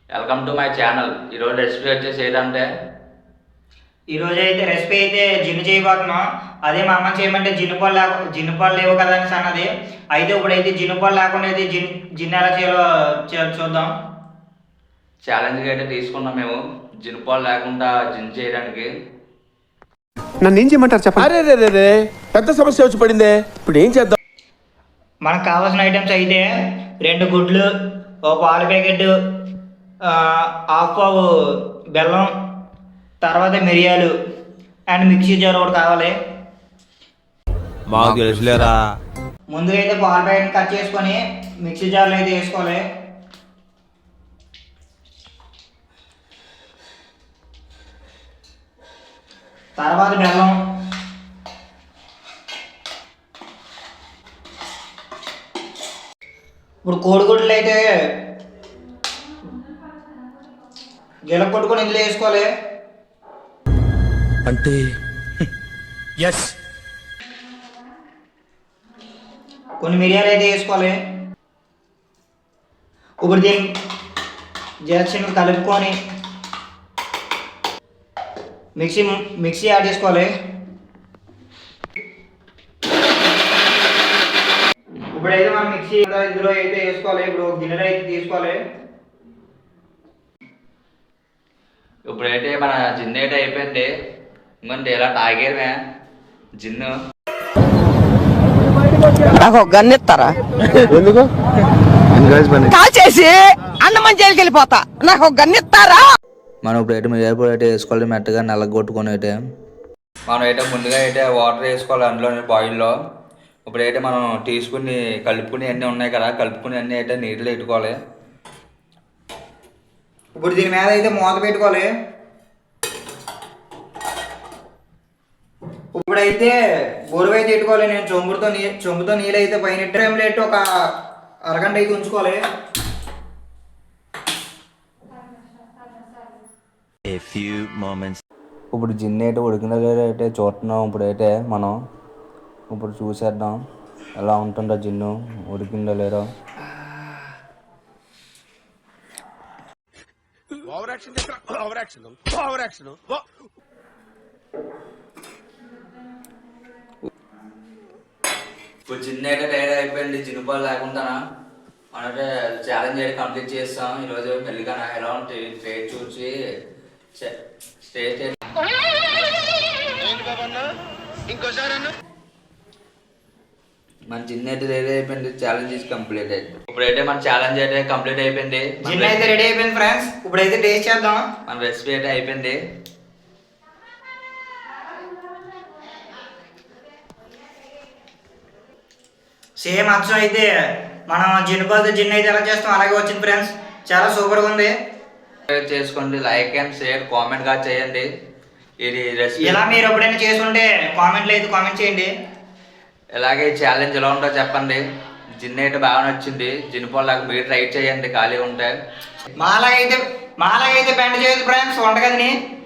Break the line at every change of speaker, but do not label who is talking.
Welcome to my channel. ఈరోజు recipe వచ్చేసి ఏంటంటే
ఈరోజు అయితే రెసిపీ అయితే జిన్ను చేయబోతున్నాం. అదే మా అమ్మ చేయమంటే జిన్ను పాలు లేవు కదా అని అన్నది. అయితే ఇప్పుడైతే జిన్ను పాలు లేకుండా అయితే జిన్ను ఎలా చేయాలో చూద్దాం.
ఛాలెంజ్గా అయితే తీసుకున్నాం మేము జిన్ను పాలు లేకుండా జిన్ చేయడానికి.
నన్ను ఏం చేయమంటారు చెప్పండి.
అరే పెద్ద సమస్య వచ్చి పడిందే, ఇప్పుడు ఏం చేద్దాం?
మనకు కావాల్సిన ఐటమ్స్ అయితే 2 గుడ్లు, ఒక పాలు ప్యాకెట్, హాఫ్ పావు బెల్లం, తర్వాత మిరియాలు అండ్ మిక్సీ జార్ ఒకటి కావాలి.
మాకు తెలుసులేరా.
ముందుగా అయితే పాలు ప్యాకెట్ కట్ చేసుకొని మిక్సీ జార్లో అయితే వేసుకోవాలి. తర్వాత బెల్లం, ఇప్పుడు కోడిగుడ్లు అయితే గిల కొట్టుకొని ఇందులో వేసుకోవాలి.
అంటే ఎస్,
కొన్ని మిరియాలు అయితే వేసుకోవాలి. ఇప్పుడు దీన్ని జస్ట్ కలుపుకొని మిక్సీ యాడ్ చేసుకోవాలి. ఇప్పుడైతే మనం మిక్సీ ఇందులో అయితే వేసుకోవాలి. ఇప్పుడు గిన్నెలో అయితే తీసుకోవాలి.
ఇప్పుడైతే మన జిన్ అయితే అయిపోయింది. ఇంకంటే ఇలా తాగేమే జిన్ను.
నాకు గన్నెత్తారా?
ఎందుకు
కాల్ చేసి అన్నమని జైలుకి వెళ్ళిపోతా. నాకు గన్నెత్తారా?
మనం ఇప్పుడైతే మిరియాల అయితే వేసుకోవాలి. మెత్తగా నల్లగొట్టుకొని అయితే మనం అయితే ముందుగా అయితే వాటర్ వేసుకోవాలి అందులోనే బాయిల్లో. ఇప్పుడైతే మనం తీసుకుని కలుపుకుని అన్నీ ఉన్నాయి కదా, కలుపుకుని అన్నీ అయితే నీటిలో పెట్టుకోవాలి.
ఇప్పుడు దీని మీద అయితే మూత పెట్టుకోవాలి. ఇప్పుడైతే బొరువు అయితే పెట్టుకోవాలి. నేను చెంబుతో నీళ్ళు అయితే పైన టైంలో అయితే ఒక అరగంట అయితే ఉంచుకోవాలి.
ఇప్పుడు జిన్ అయితే ఉడికిన అయితే చూస్తున్నాం. ఇప్పుడైతే మనం ఇప్పుడు చూసేద్దాం ఎలా ఉంటుందో జిన్ను ఉడికిందో లేదో. ఇప్పుడు జిన్ అయితే తయారు అయిపోయింది. జిన్ను పాలు లేకుండా మనైతే ఛాలెంజ్ అయితే కంప్లీట్ చేస్తాం. ఈరోజు పెళ్ళికన్నా ఎలా ఉంటుంది టేస్ట్ చూసి స్టేట్ మన జిన్ అయితే రెడీ అయిపోయింది. ఛాలెంజ్ కంప్లీట్ అయితే ఇప్పుడైతే మన ఛాలెంజ్ అయితే కంప్లీట్ అయిపోయింది.
జిన్ అయితే రెడీ అయిపోయింది ఫ్రెండ్స్. ఇప్పుడైతే టేస్ట్ చేద్దాం.
మన రెసిపీ అయితే అయిపోయింది.
సేమ్ అచ్చం అయితే మనం జిన్నుపాలతో జిన్ అయితే ఎలా చేస్తాం అలాగే వచ్చింది ఫ్రెండ్స్. చాలా సూపర్గా ఉంది.
చేసుకోండి, లైక్ అండ్ షేర్, కామెంట్ గా చేయండి. ఇది రెసిపీ
ఇలా మీరు ఎప్పుడైనా చేసుంటే కామెంట్లో అయితే కామెంట్ చేయండి.
ఇలాగే ఛాలెంజ్ ఎలా ఉందో చెప్పండి. జిన్ అయితే బాగా నచ్చింది. జిన్ పాలు మీరు ట్రై చేయండి ఖాళీ ఉంటే.
మాలాగైతే బెండ్ చేయదు ఫ్రెండ్స్ వంటగదిని.